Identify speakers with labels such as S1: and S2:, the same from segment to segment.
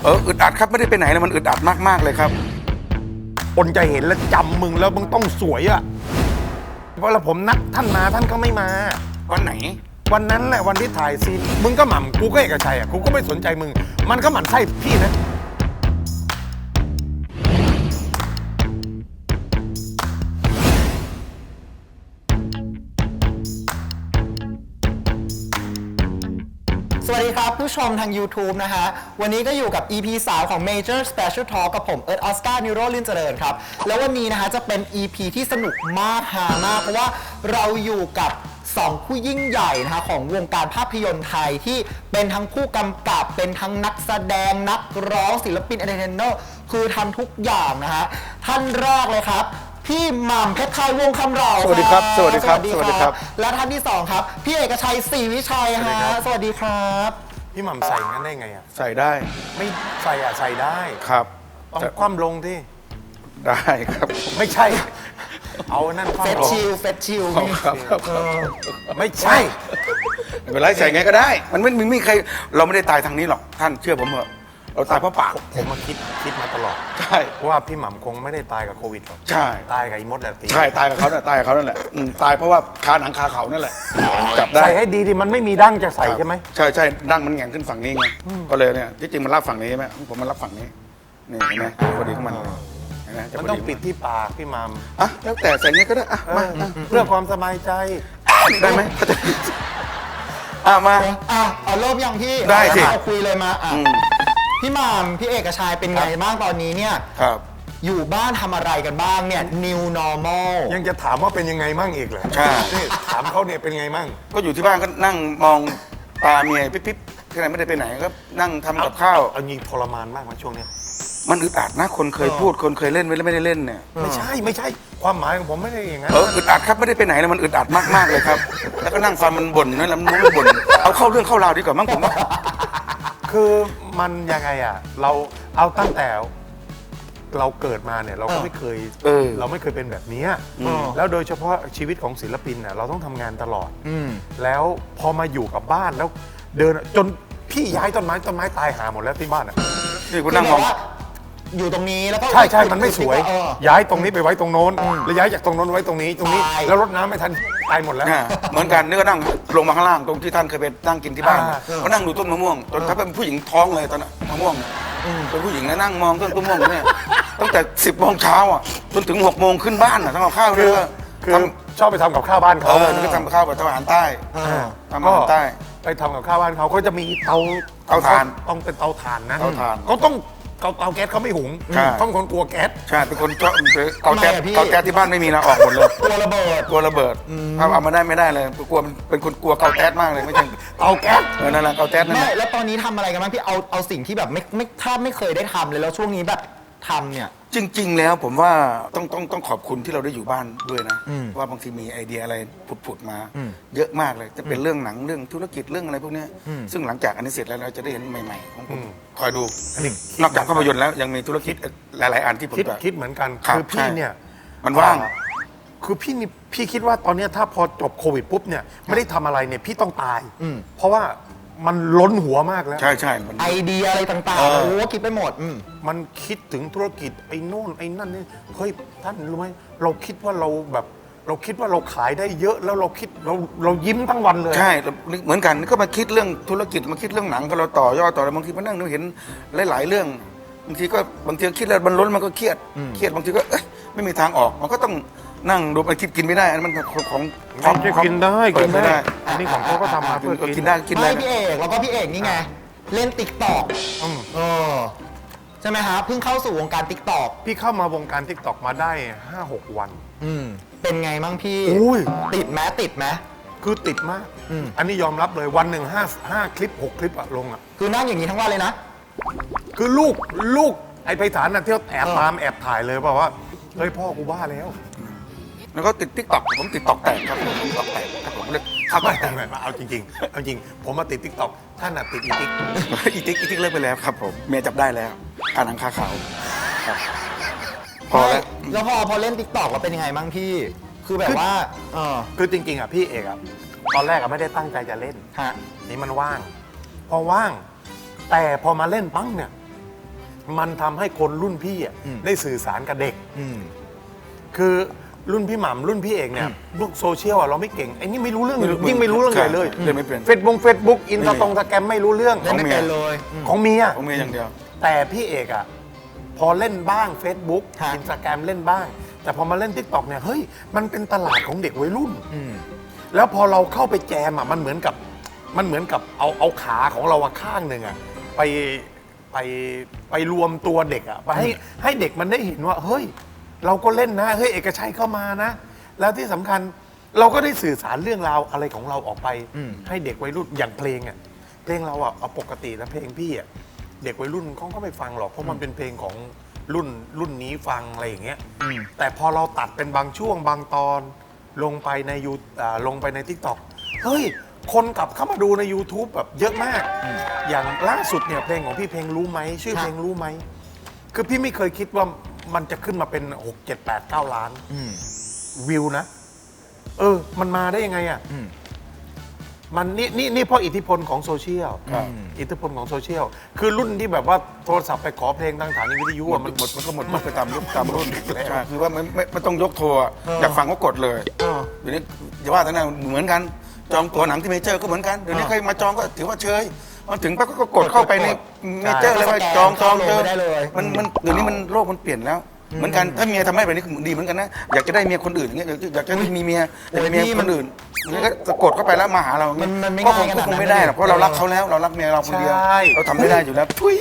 S1: อึดอัดครับไม่ได้ไปไหนเลยมันอึดอัดมากๆเลยครับ
S2: คนจะเห็นแล้วจำมึงแล้วมึงต้องสวยอะเพราะผมนัดท่านมาท่านก็ไม่มา
S1: วันไหน
S2: วันนั้นแหละวันที่ถ่ายซีนมึงก็หม่ำกูก็เอกชัยอ่ะกูก็ไม่สนใจมึงมันก็หมั่นไส้พี่นะ
S3: สวัสดีครับผู้ชมทาง YouTube นะฮะวันนี้ก็อยู่กับ EP 3 ของ Major Special Talk กับผมเอิร์ธออสการ์นิโรลินเจริญครับแล้ววันนี้นะฮะจะเป็น EP ที่สนุกมากฮามากเพราะว่าเราอยู่กับ2ผู้ยิ่งใหญ่นะฮะของวงการภาพยนตร์ไทยที่เป็นทั้งผู้กำกับเป็นทั้งนักแสดงนักร้องศิลปินเอนเตอร์เทนเนอร์คือทำทุกอย่างนะฮะท่านแรกเลยครับพี่หม่ำเพชรไทยวงคำเรา
S1: สวัสดีครับสวัสดีครับสวัสดีครับ
S3: และท่านที่2ครับพี่เอกชัยศรีวิชัยฮะสวัสดีครับ
S2: พี่หม่ำใส่งั้นได้ไงอ่ะ
S1: ใส่ได้
S2: ไม่ใส่อ่ะใส่ได้
S1: ครับ
S2: ต้องคว่ำลงที่
S1: ได้ครับ
S2: ไม่ใช่เอานั่นคว่ำลง
S3: เฟสชิล
S1: ครับ
S2: ไม่ใช่
S1: ไม่เป็นไรใส่ไงก็ได้มันไม่มีใครเราไม่ได้ตายทางนี้หรอกท่านเชื่อผมเถอะเราตายเพราะปาก
S2: ผมมาคิดมาตลอด
S1: ใช่
S2: ว่าพี่หม่ำคงไม่ได้ตายกับโควิดหรอก
S1: ใช่
S2: ตายกับอีมดแหละ
S1: ใช่ตายกับเขาเนี่ยตายกับเขานั่นแหละตายเพราะว่าคาหนังคาเขานั่นแหละจับได้
S2: ใส่ให้ดีดิมันไม่มีดั้งจะใส่ใช่ไหม
S1: ใช่ดั้งมันแหง่งขึ้นฝั่งนี้ไงก็เลยเนี่ยที่จริงมันรับฝั่งนี้ใช่ไหมผมมันรับฝั่งนี้นี่เห็นไหมพอดีของมัน
S2: มันต้องปิดที่ปากพี่หม่
S1: ำอ่ะแล้วแต่ใส่เงี้ยก็ได้อ่ะมา
S2: เพื่อความสบายใจ
S1: ได้ไหมมา
S3: เอาเริ่มยังพี่
S1: ได้สิ
S3: คุยเลยมาพี่หม่ำพี่เอกชัยเป็นไงบ้างตอนนี้เนี่ย
S1: ครับ
S3: อยู่บ้านทำอะไรกันบ้างเนี่ย New Normal
S2: ยังจะถามว่าเป็นยังไงมั่งอีกเหรอ
S1: ใช่
S2: ถามเขาเนี่ยเป็นไงมั่ง
S1: ก็อยู่ที่บ้านก็นั่งมองตาเมียปิ๊บที่ไหนไม่ได้ไปไหนก็นั่งทำกับข้าว
S2: เอางี้ทรมานมากไหมช่วงนี้
S1: มันอึดอัดนะคนเคยพูดคนเคยเล่นไม่ได้เล่นเนี่ย
S2: ไม่ใช่ความหมายของผมไม่ได้อย่างนั้น
S1: อึดอัดครับไม่ได้ไปไหนเลยมันอึดอัดมากๆเลยครับแล้วก็นั่งฟังมันบ่นนั่นแหละมันบ่นเอาเข้าเรื่องเข้าราวดีกว่ามั้งผมว่า
S2: คือมันยังไงอ่ะเราเอาตั้งแต่เราเกิดมาเนี่ยเราก็ไม่เคยเราไม่เคยเป็นแบบนี้แล้วโดยเฉพาะชีวิตของศิลปินเนี่ยเราต้องทำงานตลอดแล้วพอมาอยู่กับบ้านแล้วเดินจนพี่ย้ายต้นไม้ตายหาหมดแล้วที่บ้านอ่ะ
S1: นี่คุณนั่งมอง
S3: อยู่ตรงนี้แล้วก็
S2: ใช่มันไม่สวยย้ายตรงนี้ไปไว้ตรงโน้นแล้วย้ายจากตรงโน้นไว้ตรงนี้แล้วรดน้ำไม่ทันตายหมดแล้ว
S1: เหมือนกันนี่ก็นั่งลงมาข้างล่างตรงที่ท่านเคยไปนั่งกินที่บ้านก็นั่งดูต้นมะม่วงตอนถ้าเป็นผู้หญิงท้องเลยตอนนั้นมะม่วงเป็นผู้หญิงนะนั่งมองต้นมะม่วงเนี่ยตั้งแต่10 โมงเช้าอ่ะจนถึง6 โมงขึ้นบ้านอ่ะทำกับข้าวเลย
S2: คือชอบไปทำกับข้าวบ้านเขา
S1: นี่ก็ทำข้าวแบบอาหารใต้ทำอาหารใต้
S2: ไปทำกับข้าวบ้านเขาก็จะมีเตาถ่านต้องเป็นเตาถ่านนะเขาต้องเตาแก๊สเขาไม่หุงต้องคนกลัวแก๊ส
S1: ใช่เป็นคนชอบเตาแก๊สที่บ้านไม่มีนะออกหมดเลย
S3: กลัวระเบิด
S1: ถ้าเอามาได้ไม่ได้เลยกลัวเป็นคนกลัวเตาแก๊สมากเลยไม่ใช่
S2: เตาแก๊ส
S1: นั่นแหละเตาแก๊สนั่นแหละ
S3: แล้วตอนนี้ทำอะไรกันบ้างพี่เอาสิ่งที่แบบไม่ถ้าไม่เคยได้ทำเลยแล้วช่วงนี้แบบทำเนี่ย
S1: จริงๆแล้วผมว่าต้องขอบคุณที่เราได้อยู่บ้านด้วยนะว่าบางทีมีไอเดียอะไรผุดมาเยอะมากเลยจะเป็นเรื่องหนังเรื่องธุรกิจเรื่องอะไรพวกนี้ซึ่งหลังจากอันนี้เสร็จแล้วเราจะได้เห็นใหม่ๆของผมคอยดูนอกจากภาพยนตร์แล้วยังมีธุรกิจหลายๆอันที่ผม
S2: คิดเหมือนกันคือพี่เนี่ย
S1: มันว่าง
S2: คือพี่คิดว่าตอนนี้ถ้าพอจบโควิดปุ๊บเนี่ยไม่ได้ทำอะไรเนี่ยพี่ต้องตายเพราะว่ามันล้นหัวมากแล้ว
S1: ใช่
S3: ไอเดียอะไรต่างๆโอ้คิดไปหมด
S2: มันคิดถึงธุรกิจไอ้โน่นไอ้นั่นนี่เฮ้ยท่านรู้ไหมเราคิดว่าเราคิดว่าเราขายได้เยอะแล้วเราคิดเรายิ้มทั้งวันเลย
S1: ใช่เหมือนกันก็มาคิดเรื่องธุรกิจมาคิดเรื่องหนังก็เราต่อยอดต่ออะไรบางทีมานั่งเห็นหลายๆเรื่องบางทีคิดแล้วมันล้นมันก็เครียดบางทีก็ไม่มีทางออกมันก็ต้องนั่งดูไปคิดกินไม่ได้อันนั้นมันของ
S2: กินได้อันนี้ของเขาก็ทำมาเพื่อ
S1: กินได้
S3: ไม่พี่เอกแล้วก็พี่เอกนี่ไงเล่นติ๊กต็อกใช่ไหมฮะเพิ่งเข้าสู่วงการติ๊กต็อก
S2: พี่เข้ามาวงการติ๊กต็อกมาได้ 5-6 วัน
S3: เป็นไงมั่งพี่ติดไหม
S2: คือติดมากอันนี้ยอมรับเลยวันหนึ่ง5 คลิป 6 คลิปอะลงอะ
S3: คือนั่งอย่างนี้ทั้งวันเลยนะ
S2: คือลูกไอ้ไพศาลน่ะเที่ยวแอบตามแอบถ่ายเลยบอกว่าเฮ้ยพ่อกูบ้าแล้ว
S1: แล้วก็ติดติ๊กต็อกผมติดต็อกแตกครับผมติ๊กต็อกแตกครับผมเลย
S2: เข้าไปเอาจริงผมมาติดติ๊กต็อกท่านน่ะติดอีติ๊ก
S1: เลิกไปแล้วครับผมเมียจับได้แล้วคาหนังคาเขาครับพอ
S3: แล้วพอเล่นติ๊กต็อกแล้วเป็นยังไงบ้างพี่คือแบบว่า
S2: คือจริงๆอ่ะพี่เอกอ่ะตอนแรกอ่ะไม่ได้ตั้งใจจะเล่นนี่มันว่างพอว่างแต่พอมาเล่นปั้งเนี่ยมันทำให้คนรุ่นพี่ได้สื่อสารกับเด็กคือรุ่นพี่หม่ำรุ่นพี่เอกเนี่ยลูกโซเชียลเราไม่เก่งไอ้นี่ไม่รู้เรื่องยิ่งไม่รู้เรื่องใหญ่เลย
S1: เล่นไม่เป็น
S2: เฟซบุ๊กอินสตาแกรมไม่รู้เรื่อง
S3: เล่นไม่เป็นเลย
S2: ของเมีย
S1: ผมมีอย่างเดียว
S2: แต่พี่เอกพอเล่นบ้าง Facebook
S3: ฮะ
S2: อินสตาแกรมเล่นบ้าง แต่พอมาเล่น TikTok เนี่ยเฮ้ยมันเป็นตลาดของเด็กวัยรุ่นแล้วพอเราเข้าไปแจมมันเหมือนกับเอาขาของเราข้างหนึ่งไปรวมตัวเด็กไปให้เด็กมันได้เห็นว่าเฮ้ยเราก็เล่นนะเฮ้ยเอกชัยเข้ามานะ แล้วที่สำคัญเราก็ได้สื่อสารเรื่องราวอะไรของเราออกไปให้เด็กวัยรุ่นอย่างเพลงเพลงเราเอาปกติแล้วเพลงพี่เด็กวัยรุ่นเขาก็ไม่ฟังหรอกเพราะมันเป็นเพลงของรุ่นนี้ฟังอะไรอย่างเงี้ยแต่พอเราตัดเป็นบางช่วงบางตอนลงไปในลงไปใน TikTok เฮ้ยคนกลับเข้ามาดูใน YouTube แบบเยอะมากอย่างล่าสุดเนี่ยเพลงของพี่เพลงรู้ไหมชื่อเพลงรู้ไหมคือพี่ไม่เคยคิดว่ามันจะขึ้นมาเป็น6 7 8 9 ล้านวิวนะมันมาได้ยังไงมันนี่เพราะอิทธิพลของโซเชียลอิทธิพลของโซเชียลคือรุ่นที่แบบว่าโทรศัพท์ไปขอเพลงทางสถานีวิทยุมันก็หมดไปตามยุคตามรุ่นใช่
S1: คือว่าไม่ต้องยกโทรอยากฟังก็กดเลยเดี๋ยวนี้อย่าว่าแต่นั้นเหมือนกันจองตั๋วหนังที่เมเจอร์ก็เหมือนกันเดี๋ยวนี้ใครมาจองก็ถือว่าเชยมาถึงปั๊บก็กดเข้าไปในเมเจอร์เลยว่าจองเจอมันเดี๋ยวนี้มันโลกมันเปลี่ยนแล้วเหมือนกันถ้าเมียทำให้แบบนี้ดีเหมือนกันนะอยากจะได้เมียคนอื่นอย่างเงี้ยอยากจะมีเมียอยากจะมีเมียคนอื่นนี่ก็จะกดเข้าไปแล้วมาหาเราก็คงไม่ได้หรอกเพราะเรารักเขาแล้วเรารักเมียเราคนเดียวเราทำไม่ได้อยู่แล้วทุย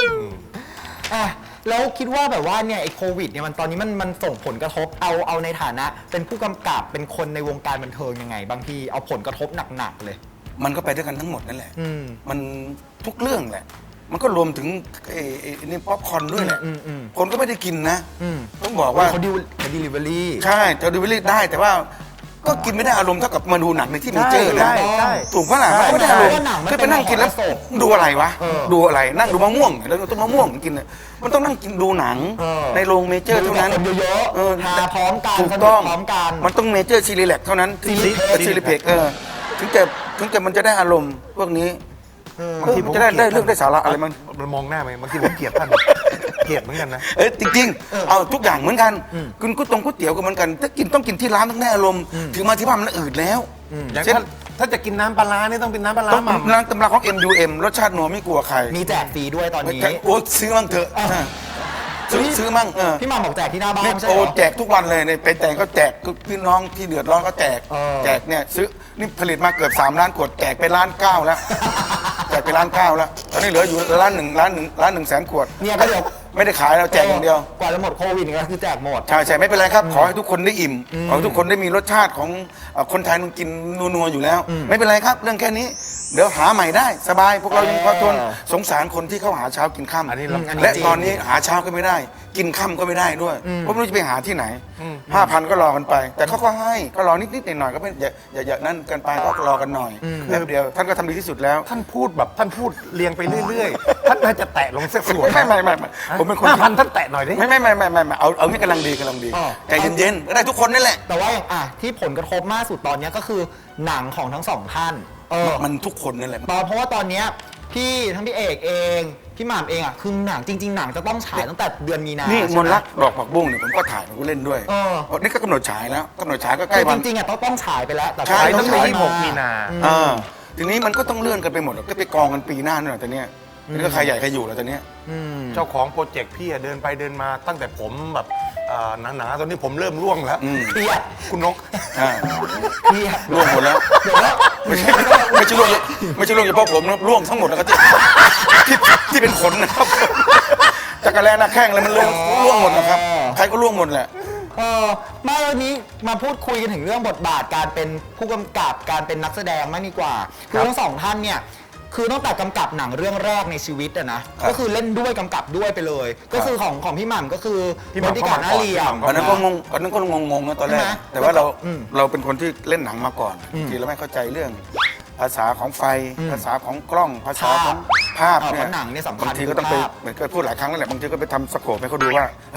S3: แล้วคิดว่าแบบว่าเนี่ยไอ้โควิดเนี่ยมันตอนนี้มันส่งผลกระทบเอาในฐานะ เป็นผู้กำกับเป็นคนในวงการบันเทิงยังไงบางทีเอาผลกระทบหนักๆเลย
S1: มันก็ไปด้วยกันทั้งหมดนั่นแหละมันทุกเรื่องแหละมันก็รวมถึงนี่ป๊อปคอร์นด้วยแหละคนก็ไม่ได้กินนะต้องบอกว่า
S3: เขาดิลิเวอรี่
S1: ใช่เขาดิลิเวอรี่ได้แต่ว่าก็กินไม่ได้อารมณ์เท่ากับมาดูหนังในที่เมเจอร์นะถูกปะล่ะไม่ได้อารมณ์คือไปนั่งกินแล้วดูอะไรวะดูอะไรนั่งดูมะม่วงแล้วต้นมะม่วงกินมันต้องนั่งกินดูหนังในโรงเมเจอร์เท่านั้น
S3: เยอะๆหาพร้อมกัน
S1: ถูกต้อง
S3: พร้อมกัน
S1: มันต้องเมเจอร์ซีรีแลกเท่านั้นซีรีเพกถึงจะมันจะได้อารมณ์พวกนี้บางทีผมจะได้เรื่องได้สาระอะไร
S2: มันมองหน้าไหมบางทีผมเกลียดท่านเกลียดเหมือนกันนะ
S1: จริงๆเอาทุกอย่างเหมือนกันคุณก๋วยเตี๋ยวก็เหมือนกันถ้ากินต้องกินที่ร้านต้องได้อารมณ์ถึงมาที่บ้านมันอืดแล้ว
S2: อย่างถ้าจะกินน้ำปลานี่ต้องเป็นน้ำปลา
S1: ต้องร้านตำราของ MUM รสชาตินัวไม่กลัวใคร
S3: มีแจกฟรีด้วยตอนนี้
S1: โอ้ซื้อมั่งเถอะซื้อมั่ง
S3: พี่มาบอกแจกที่หน้าบ้านใช่ไหม
S1: โอ้แจกทุกวันเลยในไปแต่งก็แจกพี่น้องที่เดือดร้อนก็แจกเนี่ยซื้อนี่ผลิตมาเกือบ3 ล้านขวดแจกไป1.9 ล้านแล้วแจกไป1.9 ล้านแล้วตอนนี้เหลืออยู่1 ล้าน1แสนขวด
S3: เนี่ยก็เดี๋ยว
S1: ไม่ได้ขายเราแจกอย่างเดียว
S3: กว่าจะหมดโควิดก็คือแจกหมด
S1: ใช่ไม่เป็นไรครับขอให้ทุกคนได้อิ่มขอให้ทุกคนได้มีรสชาติของคนไทยมันกินนัวๆอยู่แล้วไม่เป็นไรครับเรื่องแค่นี้เดี๋ยวหาใหม่ได้สบายพวกเรายังพอทนสงสารคนที่เขาหาเช้ากินค่ำและตอนนี้หาเช้าก็ไม่ได้กินค่ำก็ไม่ได้ด้วยเพราะไม่รู้จะไปหาที่ไหน 5,000 ก็รอกันไป แต่เขาก็ให้ก็รอนิดๆหน่อยๆก็ไม่อย่านั่นกันไปก็รอกันหน่อยแป๊บเดียวท่านก็ทำดีที่สุดแล้ว
S2: ท่านพูดเรียงไปเรื่อยๆท่านน่าจะแตะลงสักส่วน
S1: ไม่ผมเป็นคน
S2: 5,000ท่านแตะหน่อยดิ
S1: ไม่เอานี่กำลังดีใจเย็นๆก็ได้ทุกคนนั่นแหละ
S3: แต่ว่าที่ผลกระทบมากสุดตอนนี้ก็คือหนังของทั้งสองท่าน
S1: มันทุกคนนั่นแหละ
S3: เพราะว่าตอนนี้ทั้งพี่เอกเองพี่หม่ำเองคือหนังจริงๆหนังจะต้องฉายตั้งแต่เดือนมีนา
S1: นี่มนรักดอกผักบุ้งเนี่ยผมก็ถ่ายผมก็เล่นด้วยนี่ก็กำหนดฉายแล้วกำหนดฉายก็ใกล้วัน
S3: จริงๆต้องฉายไปแล้วแต่
S1: ฉาย
S2: ตั้งแต่26 มีนา
S1: ทีนี้มันก็ต้องเลื่อนกันไปหมดก็ไปกองกันปีหน้านั่นแหละตอนนี้นี่ก็ใครใหญ่ใครอยู่แล้วตอนนี้
S2: เจ้าของโปรเจกต์พี่เดินไปเดินมาตั้งแต่ผมแบบหนาๆตอนนี้ผมเริ่มร่วงแล้ว
S3: เครียด
S2: คุณนก
S3: เครียด
S1: ร่วงหมดแล้วไม่ใช่ร่วงเฉพาะผมนะร่วงทั้งหมดนะครับที่เป็นขนนะครับจักรแลหน้าแข้งอะไรมันร่วงหมดนะครับใครก็ร่วงหมดแหละ
S3: มาวันนี้มาพูดคุยกันถึงเรื่องบทบาทการเป็นผู้กำกับการเป็นนักแสดงมากดีกว่าคือทั้งสองท่านเนี่ยคือตั้งแต่กำกับหนังเรื่องแรกในชีวิตนะก็คือเล่นด้วยกำกับด้วยไปเลยก็คือของพี่หม่ำก็คือ
S2: บริการหน้าเรียม
S1: ตอนนั้นก็งงนะตอนแรกแต่ว่าเราเป็นคนที่เล่นหนังมาก่อนทีเราไม่เข้าใจเรื่องภาษาของไฟภาษาของกล้องภาษาของภาพเนี่ย
S3: หนังเนี่ยสำคัญ
S1: บางทีก็ต้องไปเหมือนก็พูดหลายครั้งแล้วแหละบางทีก็ไปทำสโคปให้เขาดูว่าเฮ้ย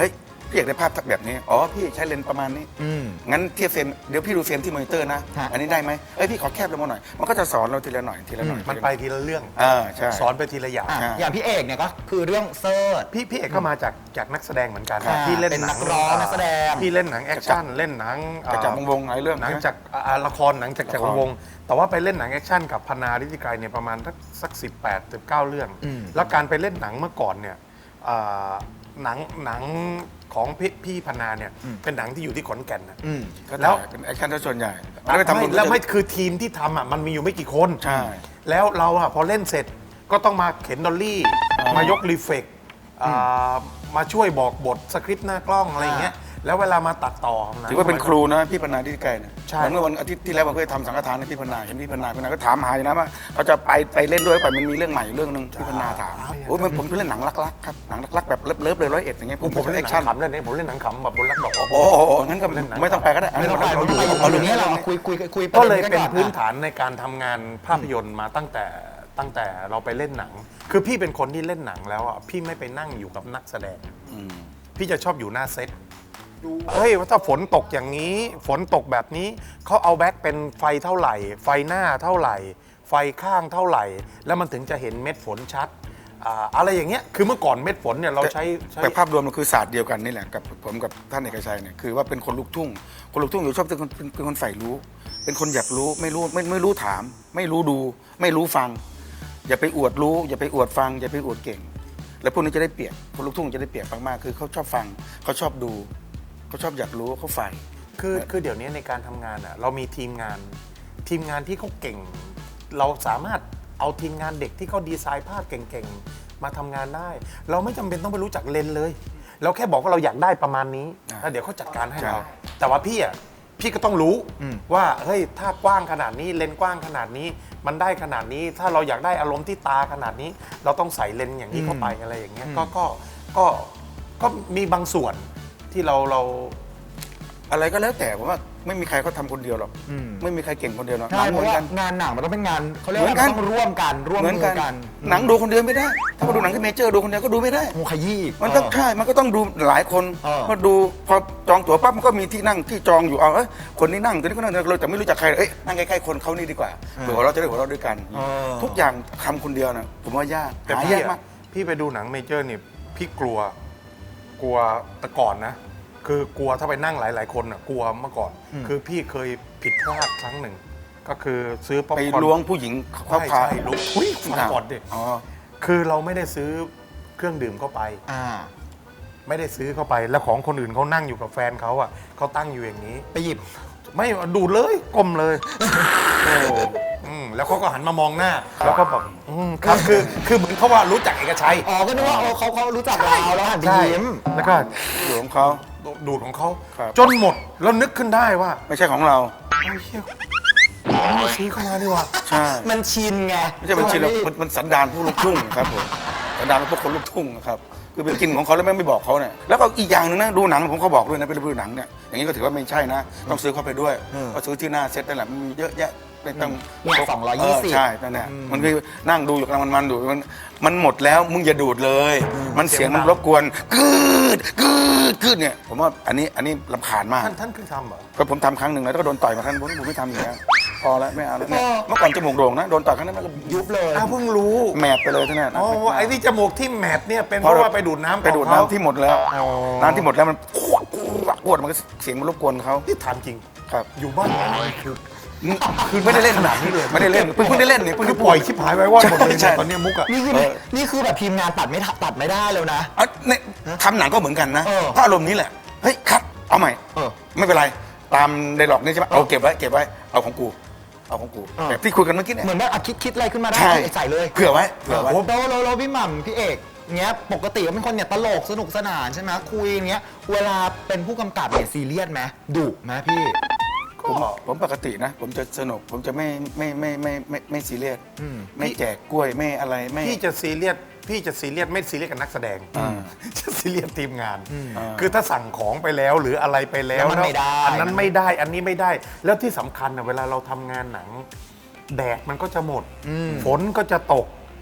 S1: พี่อยากได้ภาพแบบนี้อ๋อพี่ใช้เลนส์ประมาณนี้งั้นเทียบเฟรมเดี๋ยวพี่ดูเฟรมที่มอนิเตอร์นะ
S3: ฮะ
S1: อันนี้ได้ไหมพี่ขอแคบลงมาหน่อยมันก็จะสอนเราทีละหน่อยทีละหน่อย
S2: มันไปทีละเรื่อง
S1: ใช่
S2: สอนไปทีละอย่าง
S3: อ่ะ
S1: ใช่
S3: อย่างพี่เอกเนี่ยก็คือเรื่องเซิร์ช
S2: พี่เอกก็มาจากนักแสดงเหมือนกัน
S3: ค่ะ
S2: พี่เล่น
S3: เป็น
S2: หนั
S3: นักร้องนักแสดง
S2: พี่เล่นหนังแอคชั่นเล่นหนัง
S1: จากวงหลายเรื่อง
S2: หนัง
S1: นะ
S2: จากละครหนังจาก
S1: ละคร
S2: วงแต่ว่าไปเล่นหนังแอคชั่นกับพนาฤทธิไกรเนี่ยประมาณสัก18-19 เรื่อง แล้วการไปเล่นหนังเมื่อก่อนเนี่ยอ่าหนังของพี่พนาเนี่ยเป็นหนังที่อยู่ที่ขอนแก่นนะ
S1: ก็
S2: แล้ว
S1: ถ่ายเป็นแอคชั่นซะส่วนใหญ่แล้วไปทำบุญ
S2: แล้วไม่คือทีมที่ทำอ่ะมันมีอยู่ไม่กี่คน
S1: ใช่
S2: แล้วเราอ่ะพอเล่นเสร็จก็ต้องมาเข็นดอลลี่มายกรีเฟกมาช่วยบอกบทสคริปต์หน้ากล้องอะไรอย่างเงี้ยแล้วเวลามาตัดต่อหง
S1: ถือว่าเป็นครูนะพี่พนาที่ใกล้เนี่ย
S2: ใช่
S1: เมื่อวันอาทิตย์ที่แล้วผมเคยทำสังฆทานให้พี่พนาเห็นพี่พนาก็ถามหาอยู่นะว่าเขาจะไปเล่นด้วยไปมันมีเรื่องใหม่อยู่เรื่องนึงพี่พนาถามโอ้ยผมเล่นหนังรักๆครับหนังรักๆแบบเลิฟๆเลย101อย่างเงี้ย
S2: ผมเล่นหนั
S1: แอคชั่
S2: ง
S1: น
S2: ขำเล่นนี้ผมเล่นหนังขำแบบบนรักดอก
S1: โอ้โหงั้นก็ไม่ต้องไปก็ได้
S3: ไม่ต้องไป
S1: เรา
S3: ไม่
S1: อ
S3: ต้อง
S1: ยู่
S3: ไป
S1: เอา
S3: อ
S1: เรื่อยู่ ง
S3: นี้
S1: นี้
S3: เรา
S1: เรา
S3: มาคุยคุย
S2: ก็เลย
S3: ระ
S2: เป็น
S3: ด็
S2: พื้น
S3: ก่อ
S2: ฐานในการทำงานภาพยนตร์มาตั้งแต่เราไปเล่นหนัง คือพี่เป็นคนที่เล่นหนังแล้วอ่ะพี่ไม่ไปนั่งอยู่กับนักแสดงพี่จะชอบอยู่หน้าเซตเฮ้ยว่าถ้าฝนตกอย่างนี้ ฝนตกแบบนี้เขาเอาแบ็คเป็นไฟเท่าไหร่ ไฟหน้าเท่าไหร่ ไฟข้างเท่าไหร่ แล้วมันถึงจะเห็นเม็ดฝนชัดอะไรอย่างเงี้ยคือเมื่อก่อนเม็ดฝนเนี่ยเราใช้
S1: แต่ภาพรวมมันคือศาสตร์เดียวกันนี่แหละกับผมกับท่านเอกชัยเนี่ยคือว่าเป็นคนลูกทุ่งคนลูกทุ่งอยู่ชอบเป็นคนใฝ่รู้ เป็นคนอยากรู้ไม่รู้ถาม ไม่รู้ดู ไม่รู้ฟัง อย่าไปอวดรู้ อย่าไปอวดฟัง อย่าไปอวดเก่ง แล้วพวกนี้จะได้เปรียบคนลูกทุ่งจะได้เปรียบมากๆคือเขาชอบฟังเขาชอบดูเขาชอบอยากรู้เขาใฝ่
S2: คือเดี๋ยวนี้ในการทำงานอ่ะเรามีทีมงานที่เขาเก่ง เราสามารถเอาทีมงานเด็กที่เขาดีไซน์ภาพเก่งๆมาทำงานได้ เราไม่จำเป็นต้องไปรู้จักเลนส์เลย เราแค่บอกว่าเราอยากได้ประมาณนี้แล้วเดี๋ยวเขาจัดการให้เรา แต่ว่าพี่ก็ต้องรู้ว่าเฮ้ยถ้ากว้างขนาดนี้เลนส์กว้างขนาดนี้มันได้ขนาดนี้ ถ้าเราอยากได้อารมณ์ที่ตาขนาดนี้ เราต้องใส่เลนส์อย่างนี้เข้าไปอะไรอย่างเงี้ยก็มีบางส่วนที่เรา
S1: อะไรก็แล้วแต่ผมว่าไม่มีใครเขาทำคนเดียวหรอกไม่มีใครเก่งคนเดียวหรอก
S3: ใช่
S1: หนัง
S3: เพ
S1: เหมื
S3: ราะ
S1: อน
S3: ว่า
S1: กัน
S3: งานหนังมันต้องเป็นงานเขาเรียก
S1: เหมื
S3: ว่า
S1: อนกัน
S3: ต้องร่วมกันร่วม
S1: เหมือน
S3: มื
S1: กั
S3: อน กัน
S1: หนังดูคนเดียวไม่ได้ ถ้ามาดูหนังที่เมเจอร์ดูคนเดียวก็ดูไม่ได้
S3: โอ้ขยี้อีก
S1: มันต้องใช่ มันก็ต้องดูหลายคน มาดูพอจองตั๋วปั๊บมันก็มีที่นั่งที่จองอยู่คนนี้นั่งคนนี้ก็นั่งเราจะไม่รู้จักใครนั่งใกล้ๆคนเขานี่ดีกว่าเผื่อเราจะได้หัวเราะด้วยกัน ทุกอย่างทำคนเดียวนะผมว่ายาก
S2: แต่
S1: หา
S2: พี่
S1: ยากมาก
S2: พี่ไปดูหนังเมเจอร์เนี่ยพี่กลัวแต่ก่อนนะ คือกลัวถ้าไปนั่งหลายๆคนอ่ะกลัวเมื่อก่อน คือพี่เคยผิดพลาดครั้งหนึ่ง ก็คือซื้อป๊อป
S1: ไป
S2: คอร์น
S1: ล้วงผู้หญิงเขา
S2: ใช่
S1: พา
S2: ใช่ล้วงอุ้ยฟังก่อนดิ
S1: อ๋อ
S2: คือเราไม่ได้ซื้อเครื่องดื่มเข้าไป ไม่ได้ซื้อเข้าไปแล้วของคนอื่นเขานั่งอยู่กับแฟนเขาอ่ะเขาตั้งอยู่อย่างนี้
S3: ไปหยิบ
S2: ไม่ดูดเลยก้มเลยแล้วเขาก็หันมามองหน้า แล้วก็แบบครับคือเหมือนเขาว่ารู้จักเอกชัย
S3: อ๋อก็นึกว่าเขารู้จักเราแล้วหันไป
S2: ใช่
S3: ยิ้ม
S2: แล้วก็
S1: หลวงเขา
S2: ดูดของเขา
S1: ครับ
S2: จนหมดแล้วนึกขึ้นได้ว่า
S1: ไม่ใช่ของเรา
S2: ไอ้เหี้ยไม่ซื้อเข้ามาดีกว่า
S1: ใช่
S3: มันชินไง
S1: ไม่ใช่บัญชีเรามันสันดานผู้ลูกทุ่งครับผมสันดานพวกคนลูกทุ่งครับคือเป็นกินของเขาแล้วไม่บอกเขาเนี่ยแล้วก็อีกอย่างหนึงนะดูหนังผมเขาบอกด้วยนะไปดูหนังเนี่ยอย่างนี้ก็ถือว่าไม่ใช่นะ ต้องซื้อเข้าไปด้วยก็ซื้อที่หน้าเซ็ตนั่นแหละมันมีเยอะแยะไม่ต้อง
S3: เนี่ย220
S1: ใช่นั่นแหละมันคือนั่งดูอยู่กำลังมันดูมันหมดแล้วมึงอย่าดูดเลย มันเสียงมันรบกวนกืดเนี่ยผมว่าอันนี้รำคาญมาก
S2: ท่านคือทำเหรอ
S1: ก็ผมทำครั้งหนึ่งแล้วก็โดนต่อยมาครั้งผมไม่ทำอย่างนี้พอแล้วไม่เอาแล้วเนี่ยเมื่อก่อนจมูกโด่งนะโดนต่อยครั้งนั้นมันก็
S3: ยุบเลย
S2: อ้าวเพิ่งรู้
S1: แมบไปเลยทั้งนั้น
S2: อ๋อไอ้ที่จมูกที่แมทเนี่ยเป็นเพราะว่าไปดูดน้ำ
S1: ไปดูด
S2: ของเขา
S1: น้ำที่หมดแล้ว
S2: อ๋อ
S1: น้ำที่หมดแล้วมันปวดมันก็เสียงมันรบกวนเขา
S2: ที่ถามจริง
S1: ครับ
S2: อยู่บ้านคือ
S1: ไม่ได้เล่น
S2: ขนาดนี้เลย
S1: ไม่ได้เล่นเพิ่งได้เล่นนี่
S2: คือปล่อยชิบหายไว้ว่าหมดเลย
S1: ใช่
S2: ตอนเนี้ยมุกอะ
S3: นี่คือแบบทีมงานตัดไม่ได้แล้วนะ
S1: เนี่ยทำหนังก็เหมือนกันนะ
S3: เออ
S1: ถ้าอารมณ์นี้แหละเฮ้ยคัดเอาใหม่ ไม่เป็นไรตามไดร็อกนี่ใช่ไหมเอาเก็บไว้เอาของกูแบบที่คุยกันเมื่อกี้เนี่ย
S3: เหมือนแบบคิดอะไรขึ้นมาได้
S1: ใช่
S3: ใส่เลย
S1: เผื่อไว้
S3: โลพี่หม่ำพี่เอกเงี้ยปกติเป็นคนเนี่ยตลกสนุกสนานใช่ไหมคุยเงี้ยเวลาเป็นผู้กำกับเนี่ยซีเรียสไหมดุไหมพี่
S1: ผมปกตินะ ผมจะสนุกผมจะไม่ซีเรียสไม่แจกกล้วยไม่อะไรไม่
S2: พี่จะซีเรียสไม่ซีเรียสกับนักแสดงจะซีเรียสทีมงาน คือถ้าสั่งของไปแล้วหรืออะไรไปแล้ว
S3: แล้วมันไม่ได้
S2: อันนั้นไม่ได้อันนี้ไม่ได้ แล้วที่สำคัญนะเวลาเราทำงานหนังแดดมันก็จะหมด ฝนก็จะตก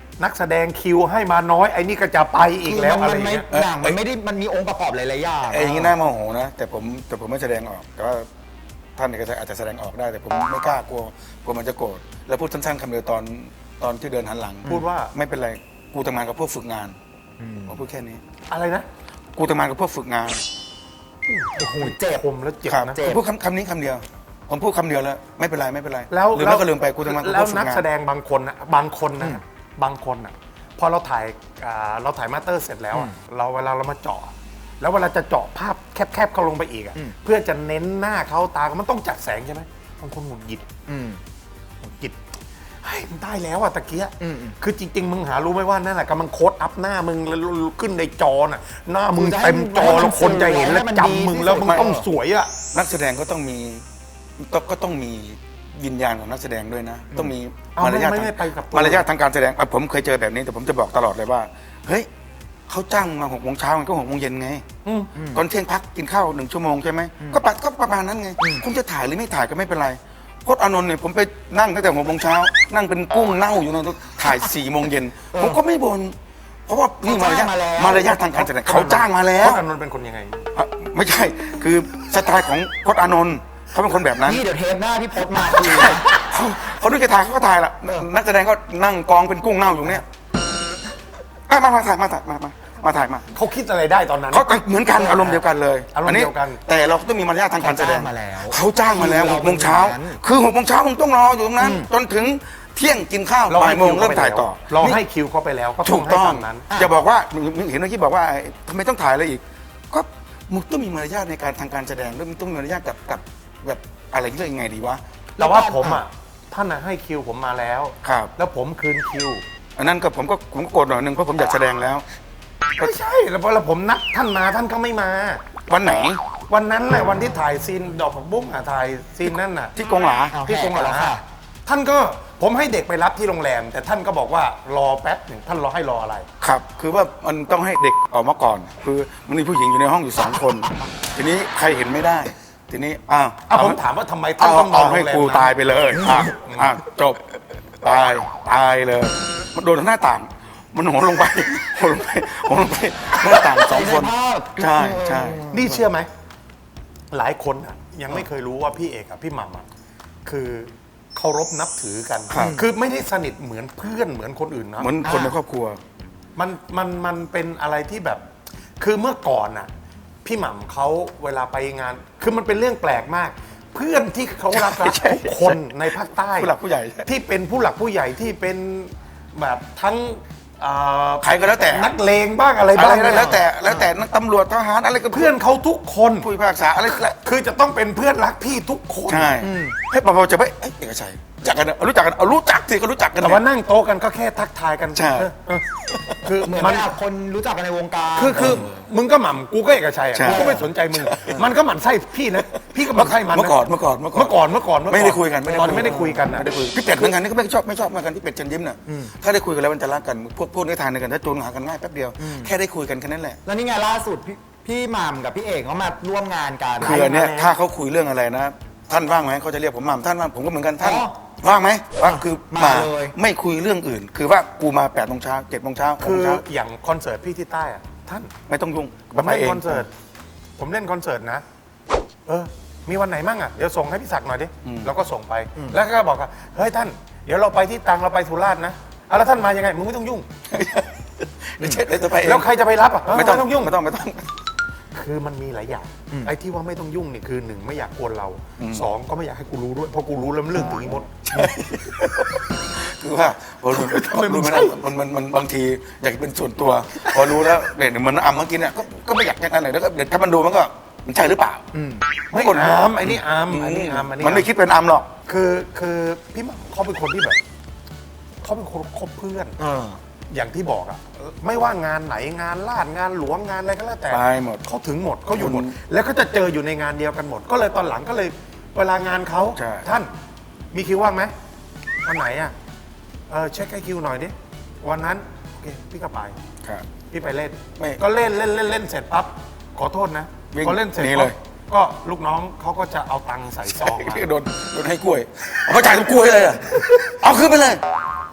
S2: นักแสดงคิวให้มาน้อยไอ้นี่ก็จะไปอีกแล้วอะไร
S3: มันไม่
S2: เงี้ย
S3: หนังมันไม่ได้มันมีองค์ประกอบหลายๆอย่าง
S1: ไอ้อย่างนี้น่าโมโหนะแต่ผมไม่แสดงออกแต่ว่าท่านเนี่ยก็อาจจะแสดงออกได้แต่ผมไม่กล้ากลัวมันจะโกรธแล้วพูดสั้นๆคำเดียวตอนที่เดินหันหลัง
S2: พูดว่า
S1: ไม่เป็นไรกูทำงานกับพวกฝึกงานผมพูดแค่นี้
S2: อะไรนะ
S1: กูทำงานกับพวกฝึกงาน
S2: โอ้โหเจ็บคมแล้วเจ็บ
S1: ครับ
S2: นะ
S1: ผมพูดคำนี้คำเดียว ผมพูดคำเดียวแล้วไม่เป็นไรไม่เป็นไร
S2: แล้ว
S1: ลืมแล้วก็ลืมไปกูทำงานกับ
S2: แล้
S1: พ
S2: ว
S1: วกฝึก
S2: นัก
S1: งาน
S2: แสดงบางคนนะบางคนนะพอเราถ่ายมาสเตอร์เสร็จแล้วอะเวลาเรามาเจาะแล้วเวลาจะเจาะภาพแคบๆเข้าลงไปอีกอะเพื่อจะเน้นหน้าเขาตามันต้องจัดแสงใช่ไหมบางคนหงุดหงิดหงุดหงิดเฮ้ยมันได้แล้วอะตะเกียคือจริง ๆ มึงหารู้ไหมว่านั่นแหละกำลังโค้ดอัพหน้ามึงแล้วขึ้นในจอน่ะหน้ามึงเต็มจอแล้วคนจะเห็นแล้วจำมึงแล้วมึงต้องสวยอะ
S1: นักแสดงก็ต้องมีวิญญาณของนักแสดงด้วยนะ ต้องมี
S2: เอา
S1: มารยาท
S2: ไม่ไปกับตัว
S1: มารยาททางการแสดงผมเคยเจอแบบนี้แต่ผมจะบอกตลอดเลยว่าเฮ้ยเขาจ้างมา6 โมงเช้ามันก็6 โมงเย็นไงตอนเที่ยงพักกินข้าว1 ชั่วโมงใช่ไหมก็ประมาณนั้นไงคุณจะถ่ายหรือไม่ถ่ายก็ไม่เป็นไรพจน์อานนท์เนี่ยผมไปนั่งตั้งแต่6 โมงเช้านั่งเป็นกุ้งเน่าอยู่นั่นถ่าย4 โมงเย็นผมก็ไม่บ่นเพราะว่านี่มารยาททางการแสดงเขาจ้างมาแล้
S2: พ
S1: ว
S2: จน์อานนท์เป็นคนยังไง
S1: ไม่ใช่คือสไตล์ของพจน์อานนท์เขาเป็นคนแบบนั้น
S3: นี่เดี๋ยวเทปหน้าพี่พจน์มาคุย
S1: เขาดูจะถ่ายเขาก็ถ่ายละนักแสดงก็นั่งกองเป็นกุ้งเน่าอยู่เนี่ยมาถ่ายมา
S2: เขาคิดอะไรได้ตอนนั้น
S1: เขาเหมือนกันอารมณ์เดียวกันเลย
S2: อารมณ์เดียวกัน
S1: แต่เราต้องมีมารยาททางการแสดง
S3: เขาจ้างมาแล้ว
S1: เขาจ้างมาแล้ว6 โมงเช้าคือ6 โมงเช้ามึงต้องรออยู่ตรงนั้น จนถึงเที่ยงกินข้าวบ่ายโมงเริ่มถ่ายต่อ
S2: เราให้คิวเขาไปแล้วก็
S1: ถูกต้อง
S2: ให้ามนั้น
S1: จะบอกว่าเห็นเมื่อกี้บอกว่าทำไมต้องถ่ายอะไรอีกก็มึงต้องมีมารยาทในการทางการแสดงแล้วมึงต้องมีมารยาทกับแบบอะไรที่เรียกยังไงดีวะ
S2: แต่ว่าผมอ่ะท่านน่ะให้คิวผมมาแล้ว
S1: ครับ
S2: แล้วผมคืนคิว
S1: อันนั้นก็ผมก็โกรธหน่อยนึงเพราะผมอยากแสดงแล้ว
S2: ไม่ใช่แล้วพอผมนัดท่านมาท่านก็ไม่มา
S1: วันไหน
S2: วันนั้นแหละวันที่ถ่ายซีนดอกผักบุ้งถ่ายซีนนั่นน่ะ
S1: ที่กงหลา
S3: เอา
S2: ที่กงหลา
S3: แหกแล้วค่ะ
S2: ท่านก็ผมให้เด็กไปรับที่โรงแรม แต่ท่านก็บอกว่ารอแป๊บหนึ่งท่านรอให้รออะไร
S1: ครับ คือว่ามันต้องให้เด็กออกมาก่อน คือมันมีผู้หญิงอยู่ในห้องอยู่2 คน ทีนี้ใครเห็นไม่ได้ ทีนี้
S2: ผมถามว่าทำไมท่านต้องนอ
S1: เอา
S2: นโร
S1: ให้
S2: งแรม
S1: กู
S2: นั้น
S1: ตายไปเลยจบตายเลยมันโดนหน้าต่าง มันโหนลงไปโหนลงไปหน้าต่าง2 คนใช่
S2: นี่เชื่อไหมหลายคนอ่ะยังไม่เคยรู้ว่าพี่เอกกับพี่หม่ำอ่ะคือเคารพนับถือกัน คือไม่ได้สนิทเหมือนเพื่อนเหมือนคนอื่นนะ
S1: เหมือนคนในครอบครัว
S2: มันเป็นอะไรที่แบบ คือเมื่อก่อนน่ะ พี่หม่ำเขาเวลาไปงาน คือมันเป็นเรื่องแปลกมาก เพื่อนที่เขารัก
S1: ใช่
S2: ทุกคนในภาคใต้
S1: ผู้หลักผู้ใหญ่
S2: ที่เป็นผู้หลักผู้ใหญ่ที่เป็นแบบทั้ง
S1: ใครก็แล้วแต่
S2: นักเลงบ้างอะไร
S1: อะไร
S2: บ้าง
S1: แล้วแต่นักตำรวจทหารอะไรก็
S2: เพื่อนเขาทุกคน
S1: ผู้พิพากษาอะไร
S2: คือจะต้องเป็นเพื่อนรักพี่ทุกคน
S1: ใช่ให้ปอจะไปเอกชัยรู้จักกันรู้จักสิก็รู้จักกัน
S2: แต่ว่านั่งโต๊ะกันก็แค่ทักทายกัน
S1: ใช่
S2: คือ
S3: เหมือน
S2: มัน
S3: แบบคนรู้จักกันในวงการ
S2: คือมึงก็หม่ำกูก็เอกชัยอ่ะ
S1: ใช่
S2: กูก็ไม่สนใจมึง มันก็หมั่นไส้พี่นะพี่ก็หมั่นไส้มันนะ
S1: เมื่อก่อน
S2: เมื่อก่อน
S1: ไม่ได้คุยกัน
S2: ตอนไม่ได้คุยกันนะ
S1: ไม่ได้คุยพี่เป็ดเหมือนกันนี่ก็ไม่ชอบเหมือนกันที่เป็ดเชิญยิ้มน่ะถ้าได้คุยกันแล้วมันจะรักกันพวกนี้ทานกันถ้าจูนหากันง่ายแป๊บเดียวแค่ได้คุยกันแค่นั้นแหละ
S3: แล้วนี่ไงล่าสุดพี่หม่ำกับพี่เอกเขามาร่วมงานกัน
S1: คืออันเนี้ยถ้าเขาคุยเรื่องอะไรนะ ท่านว่างไหมเขาจะเรียกผมหม่ำท่านว่างผมก็เหมือนกันท่าน
S3: อ๋อ
S1: ว่างไหมว่างคือ
S3: มาเลย
S1: ไม่คุยเรื่องอื่น คือว่ากูมา8 โมงเช้า7 โมงเช้า
S2: คือ
S1: 6 โมงเช้า
S2: อย่างคอนเสิร์ตพี่ที่ใต้อ่ะท่าน
S1: ไม่ต้องยุ่ง
S2: ผมเล่นคอนเสิร์ตนะมีวันไหนมั่งอ่ะเดี๋ยวส่งให้พี่ศักดิ์หน่อยดิเราก็ส่งไปแล้วก็บอกว่าเฮ้ยท่านเดี๋ยวเราไปที่ตรังเราไปสุราษฎร์นะแล้วท่านมายังไงมึงไม่ต้องยุ่ง
S1: ไม่ใช่จะไปเอง
S2: แล้วใครจะไปรับอ่ะ
S1: ไม่ต้อง
S2: ยุ่ง
S1: ไม่ต้อง
S2: คือมันมีหลายอย่างไอ้ที่ว่าไม่ต้องยุ่งนี่คือ1ไม่อยากกวนเรา2ก็ไม่อยากให้กูรู้ด้วยเพราะกูรู้แล้วมันเรื่องถึงอีมด
S1: คือว่าพอรู้มันมันบางทีอยากเป็นส่วนตัว พอรู้แล้วเนี่ยเหมือนอำเมื่อกี้เนี่ยก็ไม่อยากแค่นั้นเลยแล้วก็เดี๋ยวถ้ามันดูมันก็มันใช่หรือเปล่า
S2: ไม่
S1: กด
S2: อามไอ้นี่อามอันนี้อามอันนี้
S1: มันไม่คิดเป็นอำหรอก
S2: คือพี่หม่ำเขาเป็นคนที่แบบเขาเป็นคนคบเพื่อนอย่างที่บอกอะไม่ว่างานไหนงานลาดงานหลวงงานอะไรก็แล้วแต่
S1: ไปหมด
S2: เขาถึงหมดเขาอยู่หมด แล้วก็จะเจออยู่ในงานเดียวกันหมด ก็เลยตอนหลังก็เลยเวลางานเขา
S1: ใช่
S2: ท่านมีคิวว่างไหมวันไหนอะเช็คให้คิวหน่อยดิวันนั้นโอเคพี่ก็ไป
S1: ครับ
S2: พี่ไปเล่น
S1: ไม่
S2: ก็เล่นเสร็จปั๊บขอโทษนะ
S1: วิ่ง
S2: พอเล่นเสร็จ
S1: หนี
S2: ปั๊
S1: เล
S2: บ
S1: ย
S2: ก็ลูกน้องเขาก็จะเอาตังค์ใส่ซองมา
S1: โดนให้กล้วยเอาเขาจ่ายทุกกล้วยเลยอะเอาขึ้นไปเลย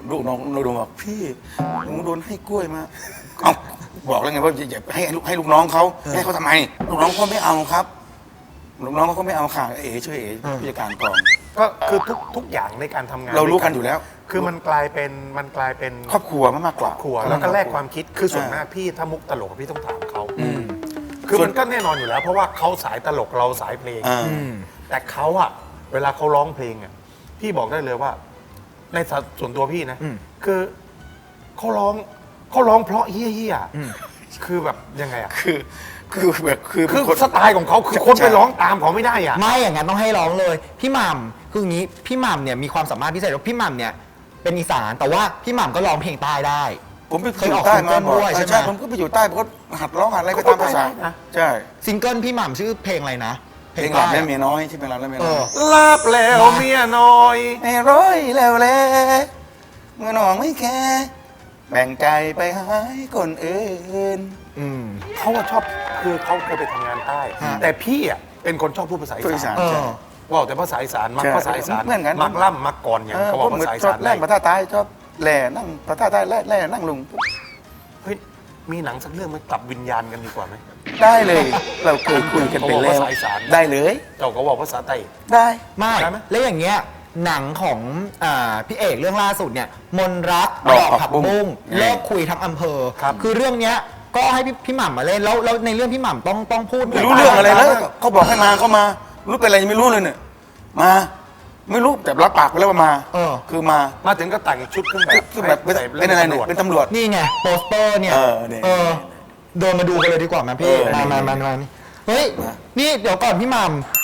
S1: ลูกน้องโดนบอกพี่หนูโดนให้กล้วยมาเอ้าบอกแล้วไงว่าอย่าให้ลูกน้องเขาให้เขาทำไมลูกน้องเขาไม่เอาครับลูกน้องเขาก็ไม่เอาค่ะเอ๋ช่วยเอ๋ผู้จัดการกอง
S2: ก็คือทุกอย่างในการทำงาน
S1: เรารู้กันอยู่แล้ว
S2: คือมันกลายเป็น
S1: ครอบครัวมากกว่า
S2: ครัวแล้วก็แลกความคิดคือส่วนมากพี่ถ้ามุกตลกพี่ต้องถามเขาคือมันก็แน่นอนอยู่แล้ว เพราะว่าเขาสายตลกเราสายเพลง แต่เขาอะเวลาเขาร้องเพลงอะพี่บอกได้เลยว่า ในส่วนตัวพี่นะคือเขาร้องเพราะเฮี้ยๆคือแบบยังไงอะ
S1: คือแบบคือ
S2: คือสไตล์ของเขาคือคนไปร้องตามเขาไม่ได้อะ
S3: ไม่อย่างนั้นต้องให้ร้องเลย พี่หม่ำคืออย่างนี้พี่หม่ำเนี่ยมีความสามารถพิเศษว่าพี่หม่ำเนี่ยเป็นอีสานแต่ว่าพี่หม่ำก็ร้องเพลงใต้ได้
S1: ผมไปอยู่ใต้มาบ่อย
S3: เคยออกซิงเกิลด้วยใช่ไหม
S1: ใช่ผมก็ไปอยู่ใต้ผมก็หัดร้องหัดอะไรไปตามภาษาใช่
S3: ซิงเกิลพี่หม่ำชื่อเพลงอะไรนะ
S1: เพลงหลับและเมียน้อยที่เป็นหลับและเมียน้อย
S2: ลาบแล้วเมียน้อย
S1: ไม่ร้อยแล้วแหละเมื่อน้องไม่แค่แบ่งใจไปหายคนอื่น
S2: เขาอะชอบคือเขาเคยไปทำงานใต้ แต่พี่อะเป็นคนชอบพูดภาษา
S1: ตัว
S2: อี
S1: อี
S2: สา
S1: สาน นใช่
S2: ว่าแต่ภาษาอีสานมัก
S1: ใช่
S2: ภาษาอีสาน
S1: เหมือนกัน
S2: มักล่ำมักก่อนอย่างเขาบอกภาษาอีสาน
S1: แร่งภาษาใต้ชอบแหล่นั่งภาษาใต้แร่นั่งลุง
S2: เฮ้ยมีหนังสักเรื่องไหมกลับวิญญาณกันดีกว่าไหม
S1: ได้เลย เราเคยคุยกันไปแล้ว
S2: เขาบอกภาษาอีสาน
S1: ได้เลย
S2: เจ้าก็บอกภาษาใต้
S1: ได้
S3: ไม่
S2: ได้ไหม
S3: แล้วอย่างเงี้ยหนังของพี่เอกเรื่องล่าสุดเนี่ยมนรัก
S1: ดอกผั
S3: ผั
S1: ก
S3: ก
S1: บุ้
S3: บุ้
S1: ง
S3: งเลิกคุยทั้งอำเภอ
S2: ครับ
S3: คือเรื่องเนี้ยก็ให้พี่หม่ำมาเล่นแล้วในเรื่องพี่หม่ำต้องพูด
S1: ไม่รู้เรื่องอะไรแล้วเขาบอกให้มาเขามารู้เป็นอะไรยังไม่รู้เลยเนี่ยมาไม่รู้แต่รับปากไปแล้วว่ามาคือมา
S2: มาถึงก็แต่งชุดเครื่องแบบ
S1: คือแบบเป็น
S2: ใส่
S1: อะไรเนี่ยเป็นตำรวจ
S3: นี่ไงโปสเตอร์เนี่ย
S1: เนี่ย
S3: เดินมาดูกันเลยดีกว่าไหมพี่
S1: นี่
S3: มาเฮ้ยนี่เดี๋ยวก่อนพี่หม่ำ